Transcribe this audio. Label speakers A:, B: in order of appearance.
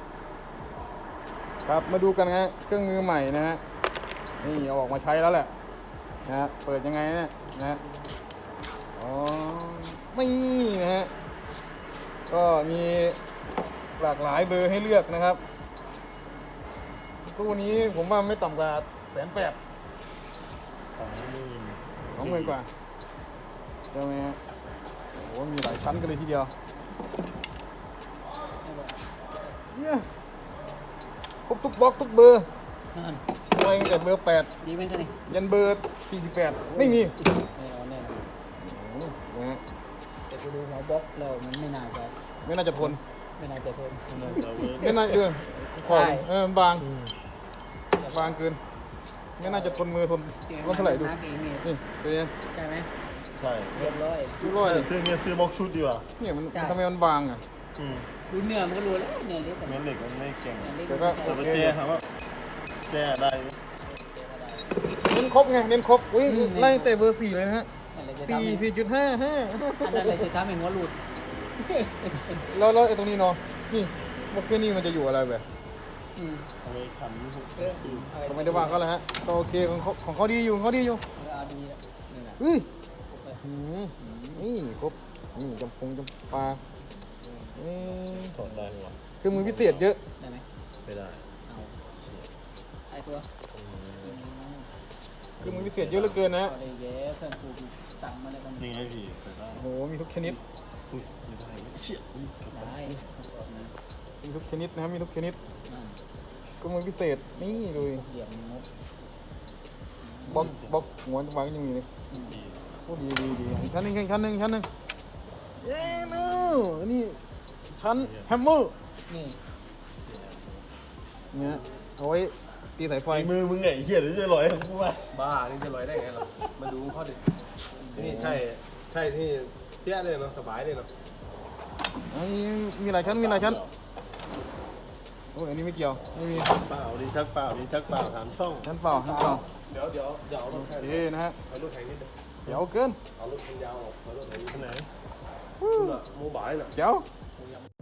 A: ครับมาดูกันฮะเครื่องมือใหม่นะฮะนี่เอาออกมาใช้แล้วแหละนะฮะเปิดยังไงเนี่ยนะฮะอ๋อไม่นะฮะก็มีหลากหลายเบอร์ให้เลือกนะครับตู้นี้ผมว่าไม่ต่ำกว่า180,000 20,000 กว่าใช่ไหมฮะโอ้โหมีหลายชั้นกันเลยทีเดียวเนี่ยครบทุกบล็อกทุกเบอร์อะไรตั้งแต่เบอร์8
B: ดีไหมกันนี่
A: ยันเบอร์48ไม่มี
B: เอาแน่นอน
A: นะฮะ
B: แต่กูดูหัวบล็อกแล้วมันไม่น่าจะ
A: ไม่น่าจะทน
B: ไม่น่าจะทน
A: ไม่น่าพอมันบางบางเกินไม่น่าจะทนมือทนเท่าไหร่ดูนี่ตัวนี้
B: ใช่ไหม
C: ใช่
B: เรียบร้อย
A: ซื้อร้อย
C: ซื้อบล็อกชุดดีกว่า
A: เนี่ยมันทำไมมันบางอ่ะ
B: ดูเนื้อมันก็รู้แล้วเนื้อเล็ก
C: เม็ดเหล็กมันไม่เก่ง
A: แต่ก็
C: แต่ว่าแก้ถามว่าแก้ได้
A: เน้นครบไงเน้นครบอุ้ยไล่แต่เบอร์4เลยนะฮะ4.55
B: อันนั้นเลยจะทำให้หัวหลุด
A: แล้วไอ้ตรงนี้เนาะนี่บล็อกเกอร์นี่มันจะอยู่อะไรแบบ
C: เอาไว้ขัน
A: ก็ไม่ได้วางก็แล้วฮะก็โอเคของเขาดีอยู่ของเขาดีอยู่
B: เอาดีแล้วนี่แหละ
A: เฮ้ยนี่ครบนี่จำปา
C: ถอดได้หรอ
A: คือมือพิเศษเยอะ
B: ได้ไหม
C: ไม่ได้
B: เอาไอ้ตัว
A: คือมือพิเศษเยอะเหลือเกินนะ
B: อะไรเย้เพื่อนกูสั่งมาเลยกัน
C: นี่ไงพี่ใส่ได้
A: โอ้โหมีทุกชนิด
C: อุ้ยไม่ได้เชี่ย
B: ได้นะ
A: มีทุกชนิดนะครับมีทุกชนิด
B: นั่น
A: ก็มือพิเศษนี่เลย
B: เหลี่ยมงบบ
A: ล็อกหัววางยังมีเลยโอ้ดีอีกชั้นหนึ่งเย้เนาะนี่ชั้นแฮมเมอร์
B: นี่
A: เนี่ยเอาไว้ตีสายไฟ
C: มือมึงไงเหี้ยหรือจะลอยของกูวะ
D: บ้านี่จะลอยได้ไงหรอมาดูเขาดินี่ใช่ที่เที่ยเลยเนาะสบายเลยเนาะ
A: มีหลายชั้นโอ้ยอันนี้ไม่เกี่ยวไม่มี
C: เปล่าดิชักเปล่าถามช่อง
A: ชั้นเปล่า
D: เดี๋ยวเอารถแข่ง
A: เย้นะฮะ
D: เอารถแข่งนิดนึง
A: เดี๋ยวเกิน
D: เอารถแข่งยาวออกเอารถแข่ง
C: ที่ไหน
D: โมบายน่ะ
A: เดี๋ยว